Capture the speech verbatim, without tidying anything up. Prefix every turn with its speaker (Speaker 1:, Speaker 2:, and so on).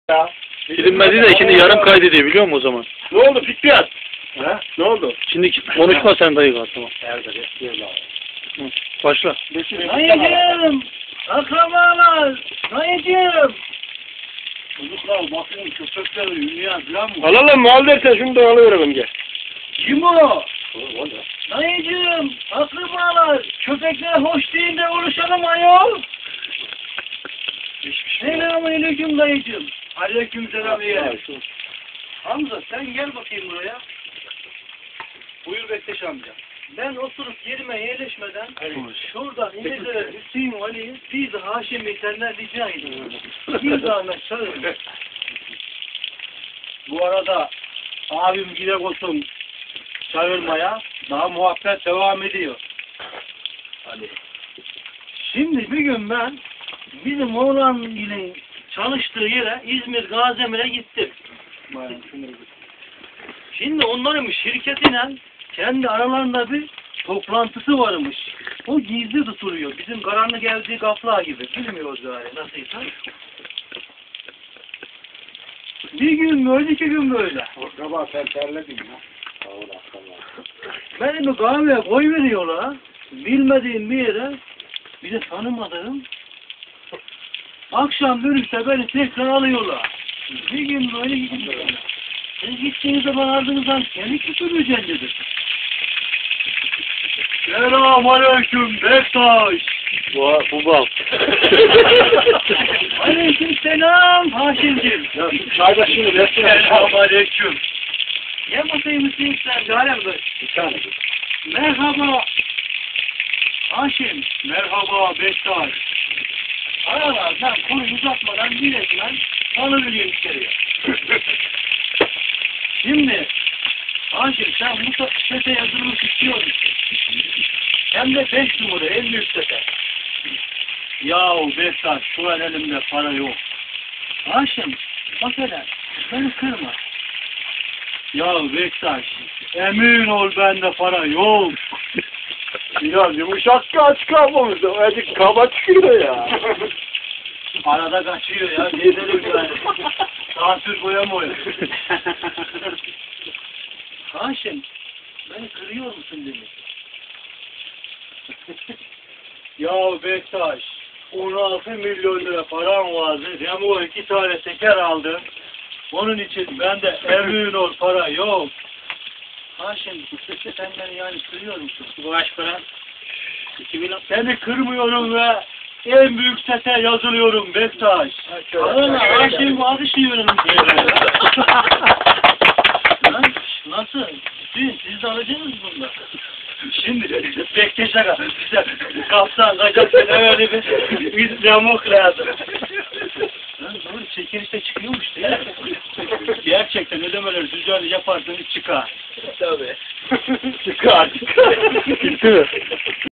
Speaker 1: Ya.
Speaker 2: Silinmedi de şimdi yarım kaydediyor biliyor musun o zaman?
Speaker 1: Ne oldu Fikret? He? Ne oldu?
Speaker 2: Şimdi konuşma sen dayı kal tamam. Hı, başla.
Speaker 3: Dayıcığım, akrabalar, dayıcığım.
Speaker 1: Çocuklar bakın köpekler ünlüyen falan mı?
Speaker 3: Alalım mal dersen şunu da alıverelim gel.
Speaker 1: Kim o?
Speaker 3: Dayıcığım, akrabalar, köpekler hoş değil de uğraşalım ayol. Selamünaleyküm dayıcığım.
Speaker 1: Aleyküm selam yeğenim.
Speaker 3: Hamza sen gel bakayım buraya.
Speaker 1: Buyur Bektaş amca.
Speaker 3: Ben oturup yerime yerleşmeden şuradan İngilizce Hüseyin Ali'yi biz Haşim'i senden rica ediyorum. Bir zahmet çağırın.
Speaker 1: Bu arada abim gidek olsun çağırmaya. Daha muhabbet devam ediyor. Hadi.
Speaker 3: Şimdi bir gün ben bizim oğlan ile çalıştığı yere İzmir Gazemir'e gittim. Şimdi onların şirketiyle kendi aralarında bir toplantısı varmış. O gizli tutuluyor. Bizim karanlık geldiği gafla gibi. Bilmiyoruz yani nasılsa. Bir gün böyle, iki gün böyle.
Speaker 1: Akraba sen terledin ya.
Speaker 3: Beni bir kahveye koy veriyorlar. Bilmediğim bir yere, bir de tanımadığım. Akşam dönüşte beni tekrar alıyorlar. Bir gün böyle, iki gün böyle. Siz gittiğiniz zaman ardınızdan kemik mi sürüyeceksin dedi.
Speaker 1: Selamünaleyküm Bektaş.
Speaker 2: Bu, bu bal.
Speaker 3: Aleyküm selam Haşim'cim.
Speaker 1: Ya kardeşim selamünaleyküm.
Speaker 3: Gel bakayım Hüseyin sen. Galem böyle.
Speaker 1: Bir tane.
Speaker 3: Merhaba Haşim.
Speaker 1: Merhaba Bektaş.
Speaker 3: Aralardan konu uzatmadan direktmen tanıveriyorum içeriye. Şimdi Haşim sen bu sete yazılmak istiyor musun? Hem de beş numara en büyük sete.
Speaker 1: Yahu Bektaş şu an elimde para yok.
Speaker 3: Haşim bak hele beni kırma.
Speaker 1: Ya Bektaş emin ol bende para yok.
Speaker 3: Biraz yumuşak kaç kalmamış da azıcık kaba çıkıyor ya.
Speaker 1: Arada kaçıyor ya ne dedim yani. Sansür koyamıyor.
Speaker 3: Haşim beni kırıyor musun demiş.
Speaker 1: Ya Bektaş on altı milyon lira param vardı. Remo iki tane teker aldım. Onun için bende emin ol para yok.
Speaker 3: Haşim sen beni yani kırıyor musun?
Speaker 1: Bu kaç para? Seni kırmıyorum ve en büyük sete yazılıyorum Bektaş.
Speaker 3: Arana Haşim adı şey verelim. Lan nasıl? Hüseyin siz de alacaksınız bunda.
Speaker 1: Şimdi Bektaş'a kadar size kaptan kaçak sene öyle bir, bir yamuk lazım.
Speaker 3: Lan doğru çekilişte çıkıyormuş değil mi?
Speaker 1: Gerçekten ödemeleri düzenli yaparsanız çıkar.
Speaker 3: Tabii.
Speaker 1: Çıkar çıkar.
Speaker 2: Bitti mi?